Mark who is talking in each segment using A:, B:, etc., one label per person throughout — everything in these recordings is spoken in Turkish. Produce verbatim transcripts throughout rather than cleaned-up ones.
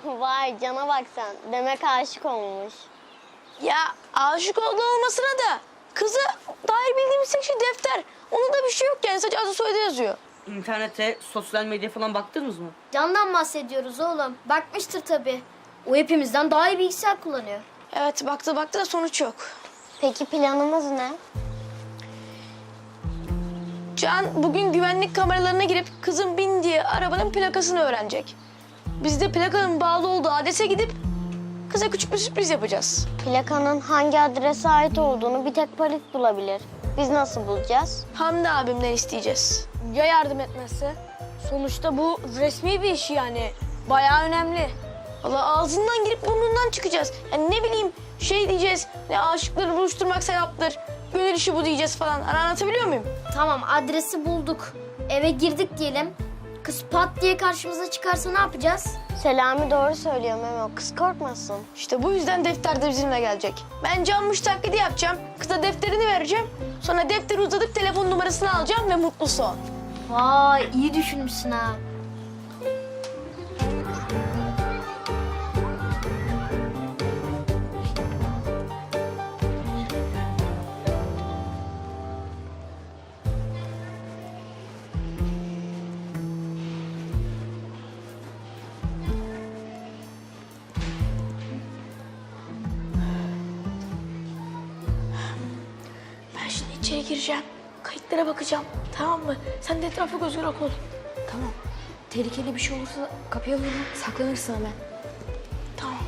A: Vay cana bak sen. Demek aşık olmuş.
B: Ya aşık olduğu olmasına da kızı dair bildiğimiz tek şey defter. Onda da bir şey yok yani, sadece adı soyadı yazıyor.
C: İnternete, sosyal medya falan baktınız mı?
D: Candan bahsediyoruz oğlum. Bakmıştır tabii. O hepimizden daha iyi bilgisayar kullanıyor.
B: Evet, baktı baktı da sonuç yok.
A: Peki planımız ne?
B: Can bugün güvenlik kameralarına girip kızın bindiği arabanın plakasını öğrenecek. Biz de plakanın bağlı olduğu adrese gidip kıza küçük bir sürpriz yapacağız.
A: Plakanın hangi adrese ait olduğunu bir tek polis bulabilir. Biz nasıl bulacağız?
B: Hamdi abimden isteyeceğiz.
E: Ya yardım etmezse? Sonuçta bu resmi bir iş yani. Bayağı önemli.
B: Valla ağzından girip burnundan çıkacağız. Yani ne bileyim şey diyeceğiz, ne aşıkları buluşturmak sevaptır, gönül işi bu diyeceğiz falan. Hani anlatabiliyor muyum?
D: Tamam, adresi bulduk. Eve girdik diyelim. Kız pat diye karşımıza çıkarsa ne yapacağız?
A: Selami doğru söylüyor Memo. Kız korkmasın.
B: İşte bu yüzden defter de bizimle gelecek. Ben canmış taklidi yapacağım, kıza defterini vereceğim. Sonra defteri uzatıp telefon numarasını alacağım ve mutlu son.
D: Vay, iyi düşünmüşsün ha.
B: Ben şimdi içeri gireceğim, kayıtlara bakacağım, tamam mı? Sen de etrafa göz kulak ol.
E: Tamam. Tehlikeli bir şey olursa kapıya vurma. Saklanırsın hemen.
B: Tamam.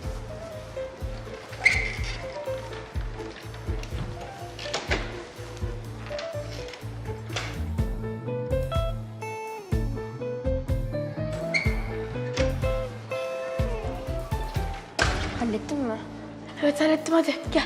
E: Hallettin mi?
B: Evet hallettim, hadi gel.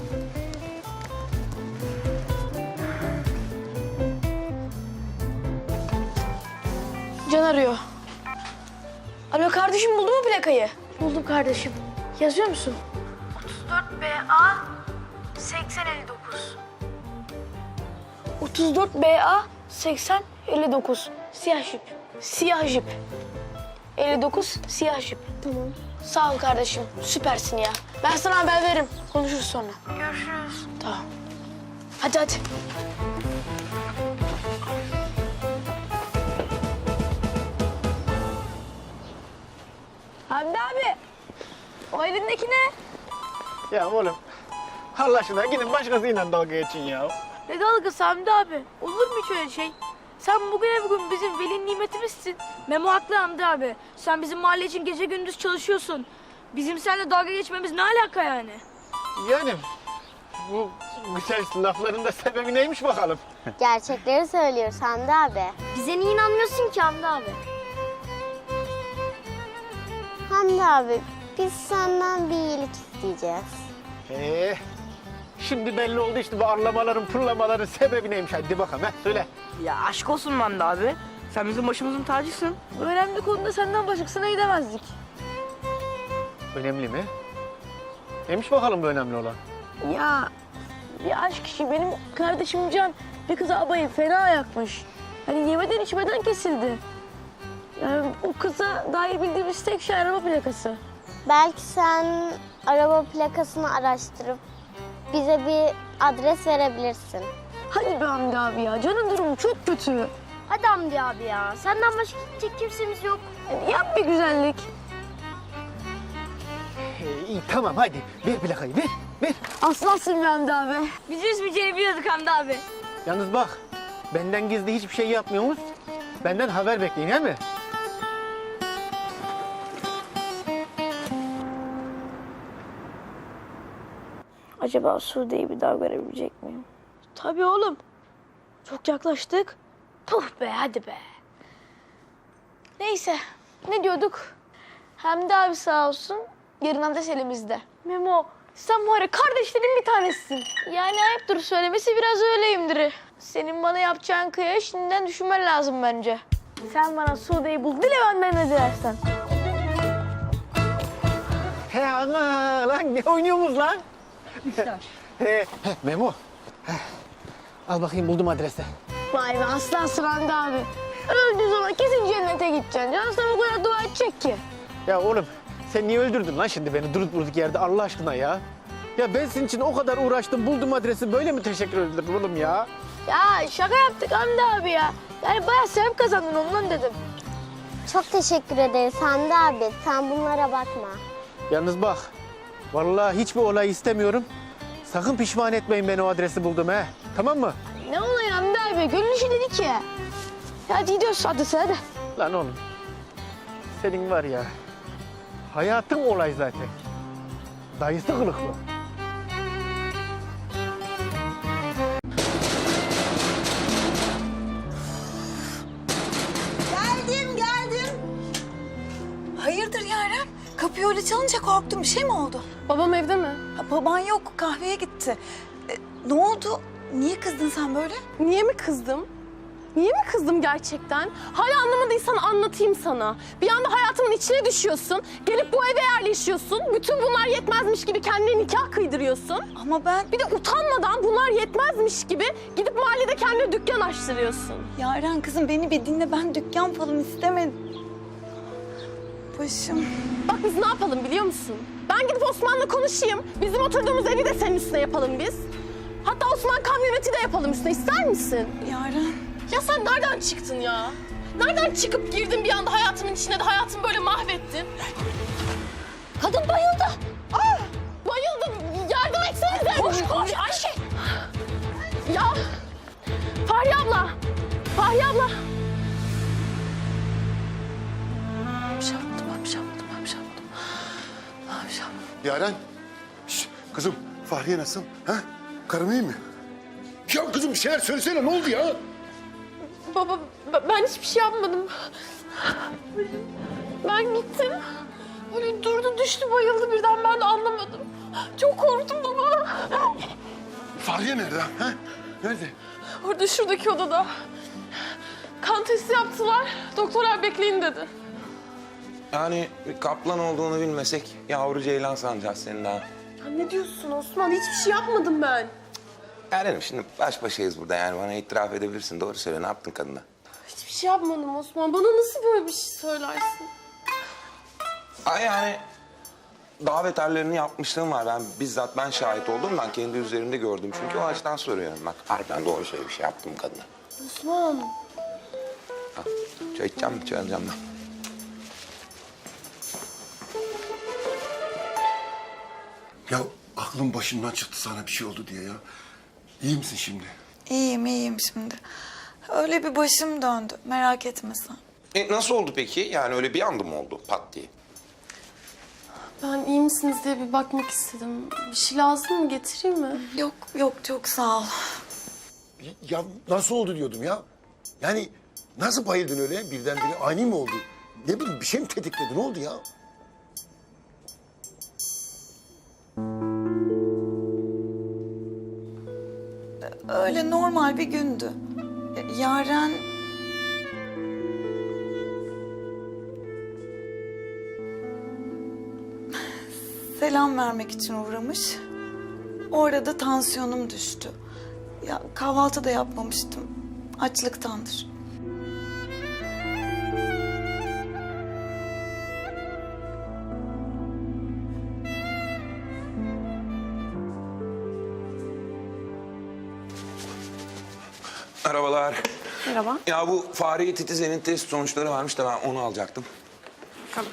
B: Can arıyor. Alo kardeşim, buldun mu plakayı? Buldum kardeşim. Yazıyor musun? otuz dört B A seksen elli dokuz. otuz dört B A seksen elli dokuz. Siyah jip. Siyah jip. elli dokuz siyah jip.
A: Tamam.
B: Sağ ol kardeşim. Süpersin ya. Ben sana haber veririm. Konuşuruz sonra. Görüşürüz. Tamam. Hadi hadi. Hamdi abi. O elindeki ne?
F: Ya oğlum, Allah aşkına gidin başkasıyla dalga geçin ya.
B: Ne dalgası Hamdi abi? Olur mu hiç öyle şey? Sen bugüne bugün bizim veli nimetimizsin.
E: Memo haklı Hamdi abi. Sen bizim mahalle için gece gündüz çalışıyorsun. Bizim seninle dalga geçmemiz ne alaka yani?
F: Yani bu güzel lafların da sebebi neymiş bakalım?
A: Gerçekleri söylüyoruz Hamdi abi.
D: Bize niye inanmıyorsun ki Hamdi abi?
A: Hamdi abi biz senden bir iyilik isteyeceğiz.
F: Ee, şimdi belli oldu işte bu arlamaların, pırlamaların sebebi neymiş? Hadi bakalım, he, söyle.
C: Ya aşk olsun Hamdi abi. Sen bizim başımızın tacısın.
B: Önemli konuda senden başkasına gidemezdik.
F: Önemli mi? Neymiş bakalım bu önemli olan?
B: Ya bir aşk işi, benim kardeşim Can bir kıza abayı fena yakmış. Hani yemeden içmeden kesildi. Yani o kıza dair bildiğimiz tek şey araba plakası.
A: Belki sen araba plakasını araştırıp bize bir adres verebilirsin.
B: Hadi be Hamdi abi ya, Can'ın durumu çok kötü.
D: Hadi Hamdi abi ya. Senden başka gidecek kimsemiz yok.
B: Yani yap bir güzellik.
F: Ee, iyi tamam hadi, ver plakayı, ver, ver.
B: Aslansın be Hamdi abi.
E: Biz üzmeyeceğini biliyorduk Hamdi abi.
F: Yalnız bak, benden gizli hiçbir şey yapmıyorsunuz. Benden haber bekleyin, he mi?
B: Acaba Sude'yi bir daha görebilecek miyim? Tabii oğlum. Çok yaklaştık. Puh be, hadi be. Neyse, ne diyorduk? Hamdi abi sağ olsun, yarın adres elimizde. Memo, sen var ya kardeşlerin bir tanesisin. Yani ayıptır söylemesi, biraz öyleyimdir. Senin bana yapacağın kıyaya şimdiden düşünmen lazım bence. Sen bana Sude'yi bul, dile benden ne dilersen.
F: He ana lan, ne oynuyorsunuz lan? He, he, Memo. He. Al bakayım, buldum adresi.
B: Vay be aslansın Hamdi abi. Öldüğü zaman kesin cennete gideceksin. Can sana bu kadar dua edecek ki.
F: Ya oğlum sen niye öldürdün lan şimdi beni durup durduk yerde Allah aşkına ya? Ya ben senin için o kadar uğraştım, buldum adresi, böyle mi teşekkür ederim oğlum ya?
B: Ya şaka yaptık Hamdi abi ya. Yani bayağı sevap kazandın ondan dedim.
A: Çok teşekkür ederiz Hamdi abi. Sen bunlara bakma.
F: Yalnız bak, vallahi hiçbir olay istemiyorum. Sakın pişman etmeyin beni o adresi buldum he. Tamam mı?
B: Ne olayı Hamdi abi? Gönül işi dedik ya. Ya hadi gidiyoruz adrese hadi.
F: Lan oğlum, senin var ya, hayatın olay zaten. Dayısı kılıklı.
G: Geldim, geldim. Hayırdır Yaren? Kapıyı öyle çalınca korktum. Bir şey mi oldu?
H: Babam evde mi?
G: Ha, baban yok, kahveye gitti. E, ne oldu? Niye kızdın sen böyle?
H: Niye mi kızdım? Niye mi kızdım gerçekten? Hala anlamadıysan anlatayım sana. Bir anda hayatımın içine düşüyorsun. Gelip bu eve yerleşiyorsun. Bütün bunlar yetmezmiş gibi kendine nikah kıydırıyorsun.
G: Ama ben...
H: Bir de utanmadan bunlar yetmezmiş gibi gidip mahallede kendine dükkan açtırıyorsun.
G: Yaren kızım beni bir dinle. Ben dükkan falan istemedim. Başım.
H: Bak biz ne yapalım biliyor musun? Ben gidip Osman'la konuşayım. Bizim oturduğumuz evi de senin üstüne yapalım biz. Hatta Osman kamyoneti de yapalım üstüne. İster misin?
G: Yaren.
H: Ya sen nereden çıktın ya? Nereden çıkıp girdin bir anda hayatımın içine de hayatımı böyle mahvettin? Kadın bayıldı. Aa, bayıldı. Yardım etsenize. Koş koş Ayşe. Ya Fahriye abla. Fahriye abla.
G: Bir şey yapmadım, ben bir şey yapmadım, ben bir şey yapmadım. Ben bir şey yapmadım.
I: Yaren, şş, kızım Fahriye nasıl? Ha? Karım iyi mi? Ya kızım bir şeyler söylesene, ne oldu ya?
H: Baba ben hiçbir şey yapmadım. Ben gittim. Böyle durdu düştü bayıldı birden ben de anlamadım. Çok korktum baba.
I: Fahriye nerede? Ha? Nerede?
H: Orada şuradaki odada. Kan testi yaptılar. Doktorlar bekleyin dedi.
J: Yani bir kaplan olduğunu bilmesek yavru ceylan sanacağız senin daha.
H: Ya ne diyorsun Osman? Hiçbir şey yapmadım ben.
J: Erenim şimdi baş başayız burada yani bana itiraf edebilirsin. Doğru söyle ne yaptın kadına?
H: Hiçbir şey yapmadım Osman. Bana nasıl böyle bir şey söylersin?
J: Ay yani daha beterlerini yapmışlığım var. Ben bizzat ben şahit oldum. Ben kendi üzerimde gördüm. Çünkü o açıdan soruyorum bak. Harbiden doğru söyle bir şey yaptım kadına.
H: Osman.
J: Ha, çay içeceğim mi? Çay alacağım ben.
I: Ya aklım başımdan çıktı sana bir şey oldu diye ya. İyi misin şimdi?
G: İyiyim, iyiyim şimdi. Öyle bir başım döndü, merak etme sen.
J: E, nasıl oldu peki? Yani öyle bir anda mı oldu pat diye?
H: Ben iyi misiniz diye bir bakmak istedim. Bir şey lazım mı? Getireyim mi?
G: Yok, yok çok sağ ol.
I: Ya nasıl oldu diyordum ya. Yani nasıl bayıldın öyle birdenbire ani mi oldu? Ne bileyim bir şey mi tetikledi, ne oldu ya?
G: Öyle normal bir gündü. Yaren... Selam vermek için uğramış. Orada tansiyonum düştü. Ya kahvaltı da yapmamıştım. Açlıktandır.
J: Merhabalar.
H: Merhaba.
J: Ya bu fareyi titizenin test sonuçları varmış da ben onu alacaktım.
H: Tamam.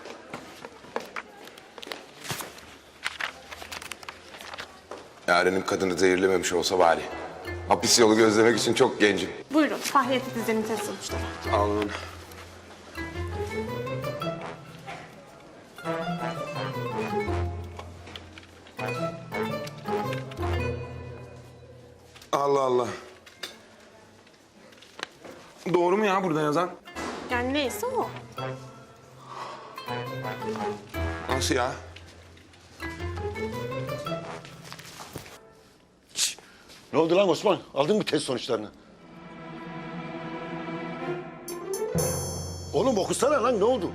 J: Yarenim kadını zehirlememiş olsa bari. Hapis yolu gözlemek için çok gencim.
H: Buyurun. Fahriye teyzenin test sonuçları.
J: Alın. Allah Allah. Doğru mu ya burada yazan?
H: Yani neyse o.
J: Nasıl ya?
I: Şş, ne oldu lan Osman? Aldın mı test sonuçlarını? Oğlum okusana lan, ne oldu?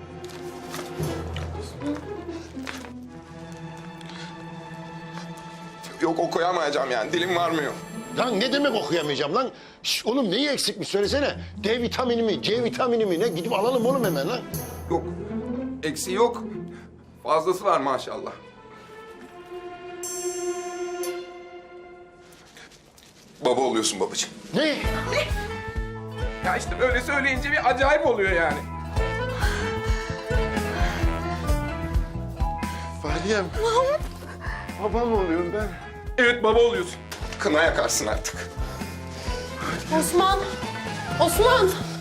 J: Yok okuyamayacağım yani dilim varmıyor.
I: Lan ne demek okuyamayacağım lan? Şş, oğlum neyi eksikmiş söylesene. D vitamini mi, C vitamini mi ne? Gidip alalım oğlum hemen lan.
J: Yok Eksiği yok. Fazlası var maşallah. Baba oluyorsun babacığım.
I: Ne?
J: Ya işte böyle söyleyince bir acayip oluyor yani.
I: Fahriyem. Baba mı oluyorum ben?
J: Evet baba oluyorsun. Kına yakarsın artık.
H: Osman! Osman!